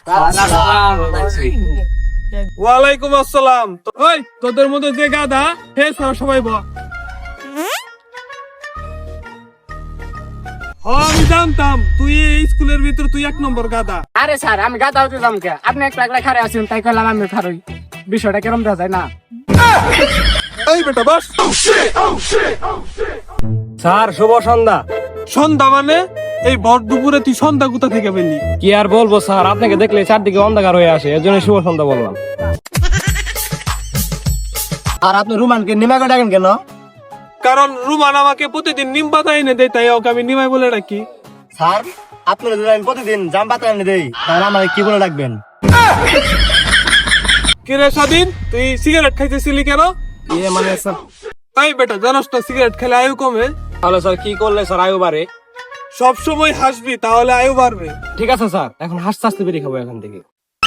ওয়ালাইকুম আসসালাম। ওই তোদের মধ্যে যে গাধা হে সবাই বল। আমি জানতাম তুই এই স্কুলের ভিতর তুই 1 নম্বর গাধা। আরে স্যার আমি গাধা হতে যাম কে? আপনি একলা একলা খারে আছেন তাই কইলাম আমি খারই। বিষয়টা কেরম দেখা যায় না? এই বেটা বস। স্যার শুভ সন্ধ্যা। সন্ধ্যা মানে এই ভর দুপুরে তুই সন্ধ্যা কোথা থেকে পেলি? কি আর বলবো স্যার, আপনাকে দেখলে চারদিকে অন্ধকার হয়ে আসে, এর জন্য শুভ সন্ধ্যা বললাম। আর আপনি রুমানকে নিমাকে ডাকেন কেন? কারণ রুমান আমাকে প্রতিদিন নিম পাতা এনে দেয়, তাই ওকে আমি নিমাই বলে ডাকি। স্যার আপনি যদি আমি প্রতিদিন জাম পাতা এনে দেই তাহলে আমাকে কি বলে ডাকবেন? কিরে স্বাধীন, তুই সিগারেট খাইতেছিলি কেন? মানে স্যার, এই বেটা জানোস তো সিগারেট খেলে আয়ু কমে। তাহলে স্যার কি করলে স্যার আয়ু বাড়ে? সব সময় হাসবি তাহলে আয়ু বাড়বে। ঠিক আছে স্যার, এখন হাসতে হাসতে বেরিয়ে খাবো এখান থেকে।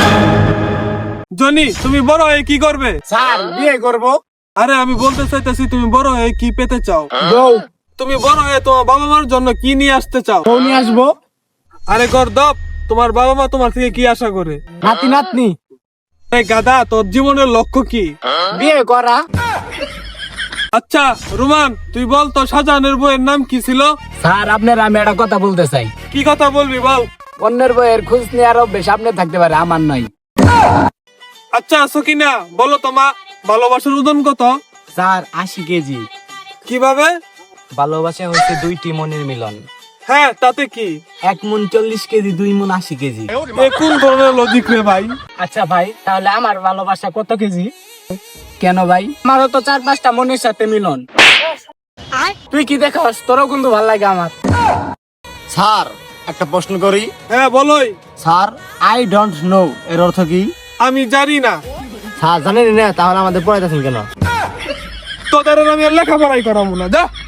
জনি, তুমি বড় হয়ে কি করবে? স্যার বিয়ে করব। আরে আমি বলতে চাইতেছি তুমি বড় হয়ে কি পেতে চাও? বউ। তুমি বড় হয়ে তোমার বাবা মার জন্য কি নিয়ে আসতে চাও? বউ নিয়ে আসবো। আরে গর্দভ, তোমার বাবা মা তোমার থেকে কি আশা করে? নাতি নাতনি। এই গাধা, তোর জীবনের লক্ষ্য কি? বিয়ে করা। আচ্ছা রুমান, তুই বল তো শাহজাহানের বইয়ের নাম কি ছিল? স্যার আপনার আমি একটা কথা বলতে চাই। কি কথা বলবি বল। অন্যের বইয়ের খোঁজ নেওয়ার অভ্যেস আপনার থাকতে পারে, আমার নয়। আচ্ছা সকিনা, বলো তোমা ভালোবাসার ওজন কত? Sir 80 KG. কিভাবে? ভালোবাসা হচ্ছে দুইটি মনের মিলন। হ্যাঁ তাতে কি? 1 মন 40 কেজি, 2 মন 80 কেজি। এ কোন ধরনের লজিক রে ভাই? আচ্ছা ভাই, তাহলে আমার ভালোবাসা কত কেজি? কেন ভাই? আমারও তো 4-5টা মনের সাথে মিলন। তুই কি দেখাস? তোরও কিন্তু ভালো লাগে আমার। স্যার একটা প্রশ্ন করি। হ্যাঁ বলোই। স্যার আই ডোন্ট নো এর অর্থ কি? আমি জানি না। স্যার জানেন না? তাহলে আমাদের পড়াইতেছেন কেন? তোদের আমি আর লেখাপড়াই করাবো না, যা।